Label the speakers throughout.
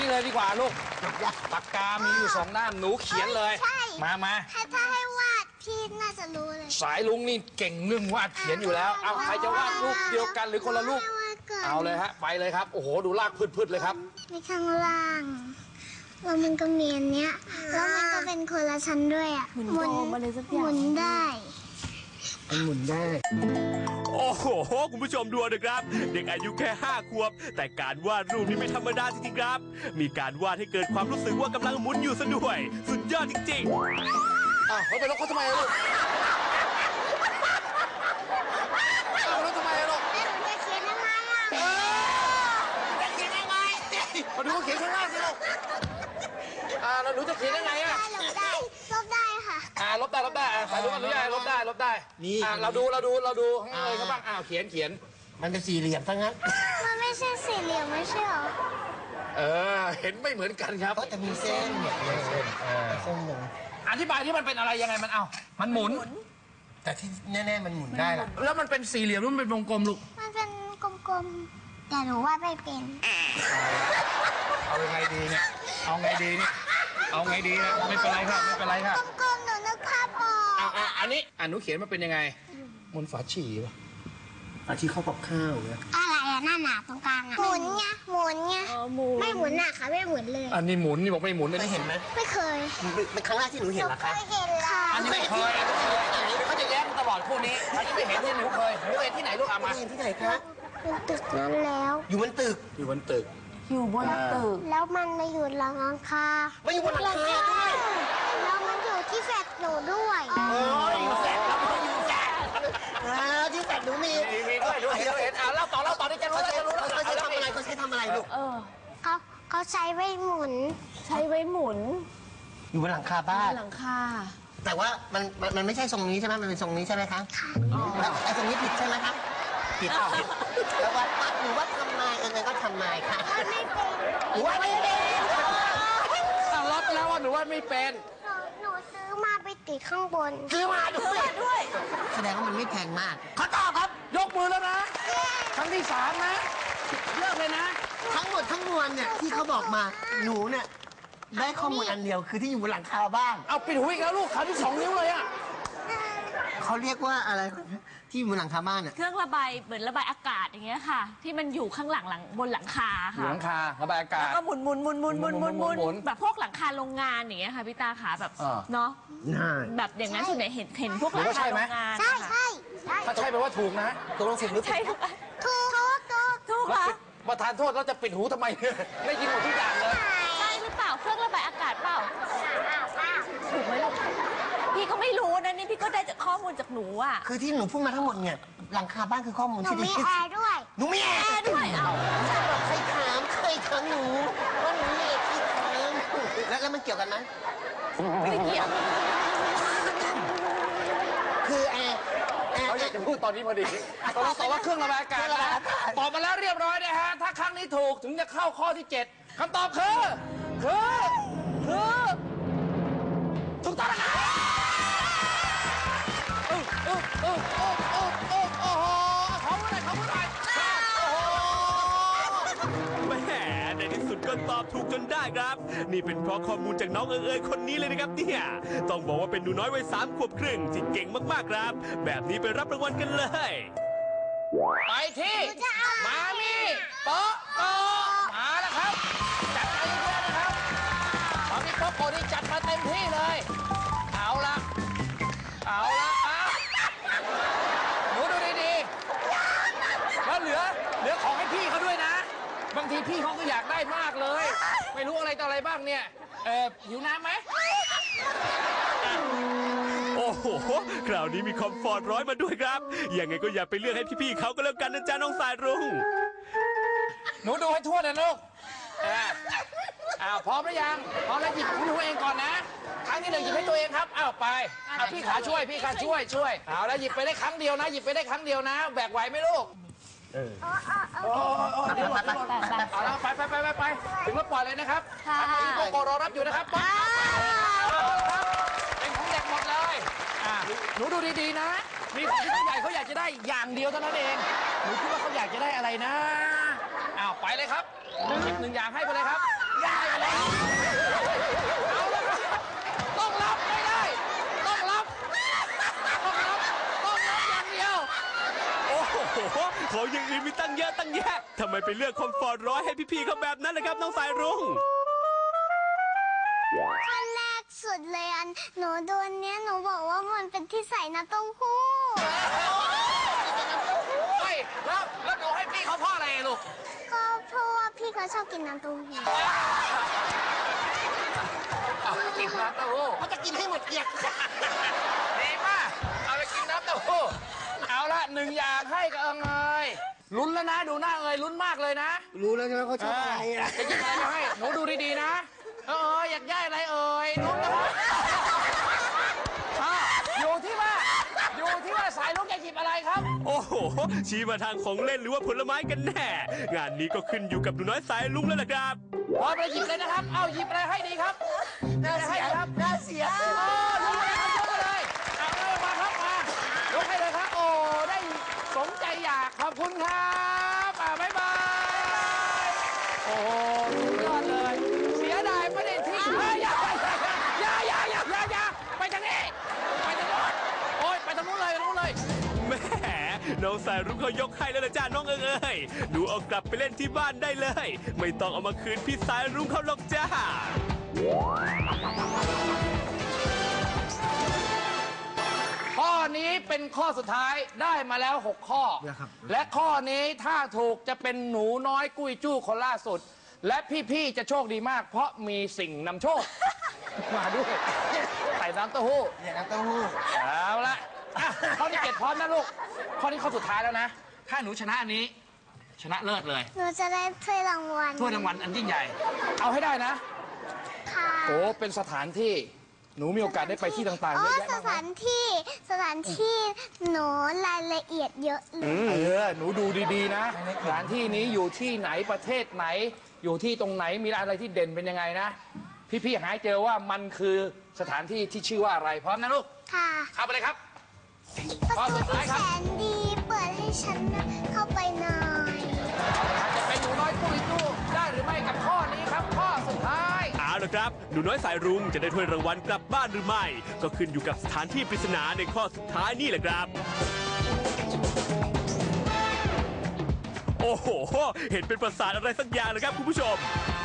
Speaker 1: นี่เลยดีกว่าลูกปากกามีอยู่2 ด้ามหนูเขียนเลยมา
Speaker 2: ถ้าให้วาดพี่น่าจะรู้เลย
Speaker 1: สายลุงนี่เก่งเรื่องวาดเขียนอยู่แล้วเอาใครจะวาดรูปเดียวกันหรือคนละรูปเอาเลยฮะไปเลยครับโอ้โหดูลากพืดเลยครับ
Speaker 2: มีข้างล่างแล้วมันก็มีอันเนี้ยแล้วมันก็เป็นคนละชั้นด้วยอ่ะหมุนได้
Speaker 1: มันหมุนได้
Speaker 3: โอ้โหคุณผู้ชมดูนะครับเด็กอายุแค่5 ขวบแต่การวาดรูปนี้ไม่ธรรมดาจริงๆครับมีการวาดให้เกิดความรู้สึกว่ากำลังหมุนอยู่ซะด้วยสุดยอดจริงๆ
Speaker 1: เขาไปล็อกเขาทำไมลูกล็อกทำไมลูก
Speaker 2: จะเขียนยังไง
Speaker 1: จะเขียนยังไงมาดูเขาเขียนข้างล่างสิลูกแล้วหนูจะเขียนยังไง
Speaker 2: ลบได้ค่ะ
Speaker 1: ลบได้สายลุงอนุญาตลบได้นี่เราดูให้เลยครับบ้างเขียน
Speaker 4: มันเป็น4 เหลี่ยมทั้งนั้น
Speaker 2: มันไม่ใช่4 เหลี่ยมไม่ใช่หรอ
Speaker 1: เห็นไม่เหมือนกันครับ
Speaker 4: ก็จะมีเส้นเนี่ยเส้นหนึ่ง
Speaker 1: อธิบายที่มันเป็นอะไรยังไงมันหมุน
Speaker 4: แต่ที่แน่ๆมันหมุนได้ล่ะ
Speaker 1: แล้วมันเป็น4 เหลี่ยมหรือมันเป็นวงกลมลูก
Speaker 2: มันเป็นกลมๆแต่หนูว่าไม่เป็น
Speaker 1: เอาไงดีเนี่ยเอาไงดีนะไม่เป็นไรครับ
Speaker 2: กลมๆหนูนึกภาพออก
Speaker 1: อันนี้หนูเขียนมาเป็นยังไงหมุนฝาฉี่ป่ะ
Speaker 4: ฝาฉี่เข้ากับข้าวเนี่ย
Speaker 2: อะไรหน้าหนาตรงกลางหมุนไงไม่หมุนค่ะไม่หมุนเลย
Speaker 1: อันนี้หมุนนี่บอกไม่หมุน
Speaker 4: ได้เห็นไหม
Speaker 2: ไม่เคย
Speaker 4: เป็นครั้งแรกที่หนูเห็นเหรอคะ
Speaker 2: ไม่เห็นค่ะ
Speaker 1: อันนี้ไม่เคยอย่างนี้เขาจะแย้งตลอดคู่นี้อันนี้ไม่เห็นที่หนูเคยที่ไหนลูกมา
Speaker 4: เห็นที่ไหนคะ
Speaker 2: บนตึกนั้นแล้ว
Speaker 4: อยู่บนตึก
Speaker 1: อยู่บนตึก
Speaker 2: แล้วมันมาอยู่หลังคา
Speaker 4: ไม่อยู่บนหลังคาด้วย
Speaker 2: แล้วมันอยู่ที่แฟลตหนูด้วย
Speaker 4: อยู่แฟลตแล้วก็อยู่แฟลตที่แฟลตหนูมี
Speaker 1: ด้วยเห็นเล่าต่อที่จะรู้
Speaker 4: เขาใช้ทำอะไรลูก
Speaker 2: เขาใช้ไว้หมุน
Speaker 4: อยู่บนหลังคาบ้านแต่ว่ามันไม่ใช่ทรงนี้ใช่ไหมมันเป็นทรงนี้ใช่ไหมคะไอ้ทรงนี้ผิดใช่ไหมคะผิดแล้วว่าหนูว่าทำไมก็ทำไมค่ะหนูว่าไม่เป็น
Speaker 1: รับแล้วว่าหนูว่าไม่เป็น
Speaker 2: หนูซื้อมาไปติดข้างบน
Speaker 4: ซื้อมาด้วยแสดงว่ามันไม่แพงมาก
Speaker 1: เขาตอบครับยกมือแล้วนะครั้งที่3นะเลิกเลยนะ
Speaker 4: ทั้งหมดทั้งมวลเนี่ยที่เขาบอกมาหนูเนี่ยได้ข้อมูลอันเดียวคือที่อยู่บนหลังคาบ้าง
Speaker 1: เอาปิดหูอีกแล้วลูกขาที่2 นิ้วเลยอ่ะ
Speaker 4: เขาเรียกว่าอะไรที่อยู่บนหลังคาบ้านเนี่ย
Speaker 5: เครื่องระบายเหมือนระบายอากาศอย่างเงี้ยค่ะที่มันอยู่ข้างหลังบนหลังคาค่ะ
Speaker 1: หลังคาระบายอากาศ
Speaker 5: แล้วก็หมุนแบบพวกหลังคาโรงงานอย่างเงี้ยค่ะพี่ตาขาแบบเนาะแบบอย่างนั้นส่วนใหญ่เห็นพวกหลังคาโรงงาน
Speaker 2: ใช่
Speaker 1: ถ้าใช่แปลว่าถูกนะ
Speaker 4: ตกลงถูกหรือ
Speaker 5: ใช่ถูก
Speaker 1: ค่ะประธานโทษเราจะปิดหูทำไมไม่ยินหมดทุกอย่างเลย
Speaker 5: ใช่หรือเปล่าเครื่องระบายอากาศเปล่าถูกไหมลูกพี่ก็ไม่รู้นะนี่พี่ก็ได้จากข้อมูลจากหนูอ่ะ
Speaker 4: คือที่หนูพูดมาทั้งหมดเนี่ยหลังคาบ้านคือข้อมูลที่ดี
Speaker 2: หนูมีแอร์ด้วย
Speaker 4: หนูมีแอร์ด้วยใครถามหนูว่าหนูมีที่ถามแล้วมันเกี่ยวกันไหม
Speaker 5: ไม่เกี่ยว
Speaker 4: คือแอร์
Speaker 1: เขาอยากจะพูดตอนนี้พอดีตอบว่าเครื่องระบายอากาศตอบมาแล้วเรียบร้อยนะฮะถ้าครั้งนี้ถูกถึงจะเข้าข้อที่7คำตอบคือถูกต้องนะครับเขาพูดอะไร
Speaker 3: แหมในที่สุดก็ตอบถูกจนได้ครับนี่เป็นเพราะข้อมูลจากน้องเอ๋ยคนนี้เลยนะครับเนี่ยต้องบอกว่าเป็นหนูน้อยวัย3 ขวบครึ่งที่เก่งมากๆครับแบบนี้ไปรับรางวัลกันเลย
Speaker 1: ไปที่มามี่โป๊ะมาแล้วครับจัดมาเยอะๆนะครับมามี่โป๊ะนี่จัดมาเต็มที่เลยเอาละหนูดูดีๆแล้วเหลือของให้พี่เขาด้วยนะบางทีพี่เขาก็อยากได้มากเลยไม่รู้อะไรต่ออะไรบ้างเนี่ยหิวน้ำไหม
Speaker 3: โอ้โหคราวนี้มีคอมฟอร์ตร้อยมาด้วยครับยังไงก็อย่าไปเลือกให้พี่ๆเขาก็แล้วกันนะจ๊ะน้องสายรุ้ง
Speaker 1: หนูดูให้ทั่วนะลูกพร้อมหรือยังพร้อมแล้วหยิบของหนูเองก่อนนะครั้งที่1หยิบให้ตัวเองครับไปพี่ขาช่วยเอาแล้วหยิบไปได้ครั้งเดียวนะแบกไหวไหมลูกไปถึงแล้วปล่อยเลยนะครับโกโก้รอรับอยู่นะครับเป็นของเด็กหมดเลยหนูดูดีๆนะมีของที่ผู้ใหญ่เขาอยากจะได้อย่างเดียวเท่านั้นเองหนูคิดว่าเขาอยากจะได้อะไรนะไปเลยครับหยิบ1 อย่างให้ไปเลยครับได้แล้วเอาละครับต้องรับไม่ได้ ต้องรับอย่างเดียว
Speaker 3: โอ้โหของอย่างอื่นมีตั้งเยอะตั้งแยะทำไมไปเลือกคอมฟอร์ตร้อยให้พี่ๆเขาแบบนั้นล่ะครับน้องสายรุ้ง
Speaker 2: ขั้นแรกสุดเลยหนูโดนเนี้ยหนูบอกว่ามันเป็นที่ใส่น้ำเต้าหู้
Speaker 1: เฮ้ยแล้วหนูให้พี่เขาเพราะอะไรลูก
Speaker 2: ก็เพราะว่าพี่เขาชอบกินน้ำเต้าหู้
Speaker 1: กินน้ำเต้าหู้
Speaker 4: เขาจะกินให้หมดเกลียก
Speaker 1: ดีมากเอาไปกินน้ำเต้าหู้เอาละหนึ่งอย่างให้กับเอิงเอยลุ้นแล้วนะดูหน้าเอยลุ้นมากเลยนะ
Speaker 4: รู้แล้วใช่ไหมเขาชอบอะไรนะ
Speaker 1: จะกินอะไรมาให้หนูดูดีๆนะอยากได้อะไรเอ่ยลุ้นนะครับอยู่ที่ว่าสายลุกจะหยิบอะไรครับ
Speaker 3: โอ้โหชี้มาทางของเล่นหรือว่าผลไม้กันแน่ งานนี้ก็ขึ้นอยู่กับหนูน้อยสายลุงแล้วล่ะครับ
Speaker 1: พอไปหยิบเลยนะครับเอาหยิบอะไรให้ดีครับหยิบอะไรให้ดีครับ
Speaker 4: น่าเสีย
Speaker 1: ยกเลยครับยกเลยเอาเลยมาครับมายกให้เลยครับโอ้ได้สมใจอยากขอบคุณครับบ๊ายบายโอ้สุดยอดเลยเสียดายไม่ได้ทิ้งอย่าไปทางนี้ไปทางโน้นโอ้ยไปทางนู้นเลย
Speaker 3: แหมน้องสายรุ้งเขายกให้แล้วล่ะจ้าน้องเอิงเอ้ยหนูเอากลับไปเล่นที่บ้านได้เลย ไม่ต้องเอามาคืนพี่สายรุ้งเขาหรอกจ้า
Speaker 1: ข้อนี้เป็นข้อสุดท้ายได้มาแล้ว6ข้อและข้อนี้ถ้าถูกจะเป็นหนูน้อยกุ้ยจู้คนล่าสุดและพี่ๆจะโชคดีมากเพราะมีสิ่งนำโชค มาด้วยใส่น้ำเต้าหู้
Speaker 4: เนี่ยน้ำเต้าหู้
Speaker 1: เอาละข้อที่7พร้อมนะลูกข้อนี้ข้อสุดท้ายแล้วนะถ้าหนูชนะอันนี้ชนะเลิศเลย
Speaker 2: หนูจะได้ถ้วยรางวัล
Speaker 1: ถ้วยรางวัลอันยิ่งใหญ่ เอาให้ได้นะ
Speaker 2: ค่ะ
Speaker 1: โอ้เป็นสถานที่หนูมีโอกาสได้ไปที่ต่างๆ
Speaker 2: อ๋
Speaker 1: เย
Speaker 2: อ
Speaker 1: อะแยะ
Speaker 2: ส
Speaker 1: มากมา
Speaker 2: ถาย นที่หนูรายละเอียดเยอะเลย
Speaker 1: หนูดูดีๆนะสถานที่นี้อยู่ที่ไหนประเทศไหน อยู่ที่ตรงไหนมีอะไรที่เด่นเป็นยังไงนะพี่ๆหาเจอว่ามันคือสถานที่ที่ชื่อว่าอะไรพร้อมนะลูก
Speaker 2: ค่ะ
Speaker 1: เข้าไปเลยครับ
Speaker 2: ประตูที่แสนดีเปิดให้ฉันเข้าไปหน่อย
Speaker 1: จะเป็นหนูน้อยปุยตู้ได้หรือไม่กับข้อนี้ครับ ข้อสุดท้าย
Speaker 3: เอาละครับหนูน้อยสายรุ้งจะได้ถ้วยรางวัลกลับบ้านหรือไม่ ก็ขึ้นอยู่กับสถานที่ปริศนาในข้อสุดท้ายนี่แหละครับ โอ้โหเห็นเป็นปราสาทอะไรสักอย่างนะครับคุณผู้ชม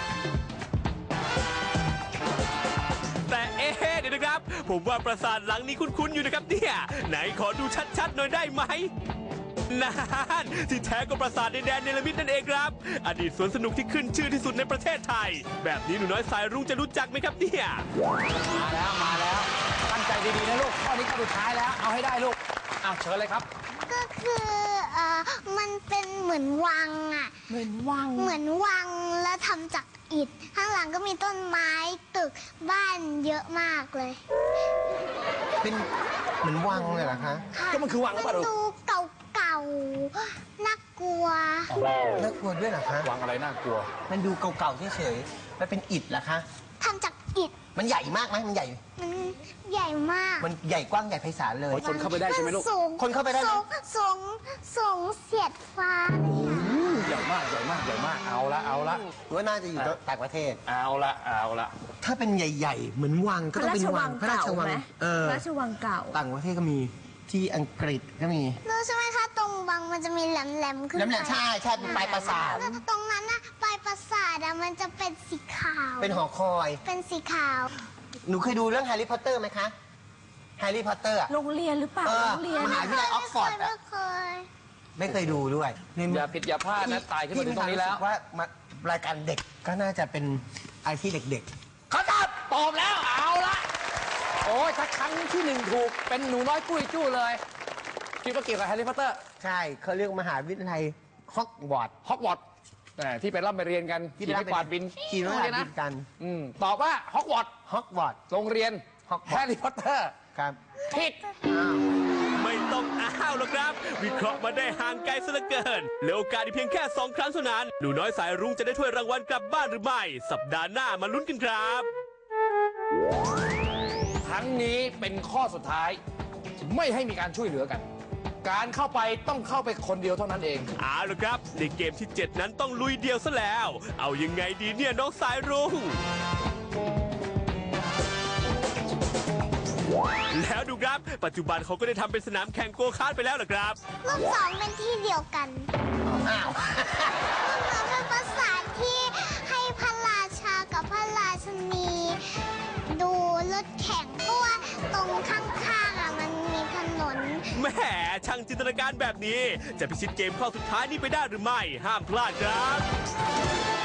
Speaker 3: แต่เดี๋ยวนะครับ ผมว่าปราสาทหลังนี้คุ้นๆอยู่นะครับเนี่ยไหนขอดูชัดๆหน่อยได้ไหมนั่นที่แท้ก็ปราสาทในแดนเนรมิตนั่นเองครับอดีตสวนสนุกที่ขึ้นชื่อที่สุดในประเทศไทย แบบนี้หนูน้อยสายรุ้งจะรู้จักไหมครับเนี่ย
Speaker 1: มาแล้วตั้งใจดีๆนะลูกข้อนี้ข้อสุดท้ายแล้วเอาให้ได้ลูกเอาเชิญเลยครับ
Speaker 2: ก็คือมันเป็นเหมือนวังอ่ะ
Speaker 5: เหมือนวัง
Speaker 2: เหมือนวังแล้วทำจากอิฐ ข้างหลังก็มีต้นไม้ตึกบ้านเยอะมากเลย
Speaker 4: เป็นเหมือนวังเลยเหรอคะ
Speaker 1: ก็มันคือวังหรือเปล่าลูก
Speaker 2: ดูเก่าๆน่ากลัว
Speaker 4: น่ากลัวด้วยเหรอคะ
Speaker 1: วังอะไรน่ากลัว
Speaker 4: มันดูเก่าๆเฉยๆมันเป็นอิฐเหรอคะ
Speaker 2: ทำจากอิฐ
Speaker 4: มันใหญ่มากไหมมันใหญ่
Speaker 2: มันใหญ่มาก
Speaker 4: มันใหญ่กว้างใหญ่ไพศาลเลย
Speaker 1: คนเข้าไปได้ใช่ไหมลูก
Speaker 2: สูง
Speaker 4: คนเข้าไปได้ไหม
Speaker 2: สูงเสียดฟ้าเลยอะ
Speaker 1: ใหญ่มากเอาละ
Speaker 4: ว่าน่าจะอยู่ต่างประเทศ
Speaker 1: เอาละ
Speaker 4: ถ้าเป็นใหญ่ ๆ เหมือนวังก็ต้องเป็นวังพระราชวัง
Speaker 5: พระราชวังเก่า
Speaker 4: ต่างประเทศก็มีที่อังกฤษก็มี
Speaker 2: รู้ใช่ไหมคะ ตรงวังมันจะมีแหลมๆขึ้น
Speaker 4: น้ำแหลมใช่เป็นปลายปราสาท
Speaker 2: แล้วตรงนั้นนะปลายปราสาทอะมันจะเป็นสีขาว
Speaker 4: เป็นหอคอย
Speaker 2: เป็นสีขาว
Speaker 4: หนูเคยดูเรื่องแฮร์รี่พอตเตอร์ไหมคะแฮร์รี่พอตเตอร์
Speaker 5: โรงเรียนหรือเปล่า
Speaker 4: เออ
Speaker 5: โรงเรียน
Speaker 4: มหาวิทยาลัยออกฟอร์ด
Speaker 2: ไม่เคย
Speaker 4: ไม่เคยดูด้วย
Speaker 1: อย่าผิดอย่าพลาดนะตายขึ้นมาถึงตรงนี้แล้ว
Speaker 4: พี่มีความรู้สึกว่ารายการเด็กก็น่าจะเป็นอะไรที่เด็ก
Speaker 1: เขาตอบแล้วเอาละโอ้ยถ้าครั้งที่หนึ่งถูกเป็นหนูน้อยกุ้ยจู้เลยคิดว่าเกี่ยวกับแฮร์รี่พอตเตอร์
Speaker 4: ๆ ใช่เขาเรียกมหาวิทยาลัยฮอกวอตส์
Speaker 1: ฮอกวอตส์ที่ไปร่ำไปเรียนกันขี่ไม้กวาดบิน
Speaker 4: ขี่ไม้กวาดบินกัน
Speaker 1: ตอบว่าฮอกวอตส์
Speaker 4: ฮอกวอตส์
Speaker 1: โรงเรียน
Speaker 4: Hogwarts
Speaker 1: แฮร์รี่พอตเตอร์
Speaker 4: ครับ
Speaker 1: ผิด
Speaker 3: ไม่ต้องอ้าวหรอกครับ วิเคราะห์มาได้ห่างไกลซะเหลือเกินเหลือโอกาสอีกเพียงแค่2 ครั้งเท่านั้นหนูน้อยสายรุ้งจะได้ถ้วยรางวัลกลับบ้านหรือไม่ สัปดาห์หน้ามาลุ้นกันครับ
Speaker 1: ครั้งนี้เป็นข้อสุดท้าย ไม่ให้มีการช่วยเหลือกันการเข้าไปต้องเข้าไปคนเดียวเท่านั้นเอง
Speaker 3: เอาละครับในเกมที่ 7 นั้นต้องลุยเดียวซะแล้ว เอายังไงดีเนี่ยน้องสายรุ้งแล้วดูครับปัจจุบันเขาก็ได้ทำเป็นสนามแข่งโกคาร์ทไปแล้วเหรอครับ
Speaker 2: รูป2เป็นที่เดียวกัน
Speaker 4: อ้าว
Speaker 2: มันเป็นภาษาที่ให้พระราชากับพระราชนีดูรถแข่งเพราะว่าตรงข้างๆมันมีถนน
Speaker 3: แหมช่างจินตนาการแบบนี้ จะพิชิตเกมข้อสุดท้ายนี้ไปได้หรือไม่ ห้ามพลาดครับ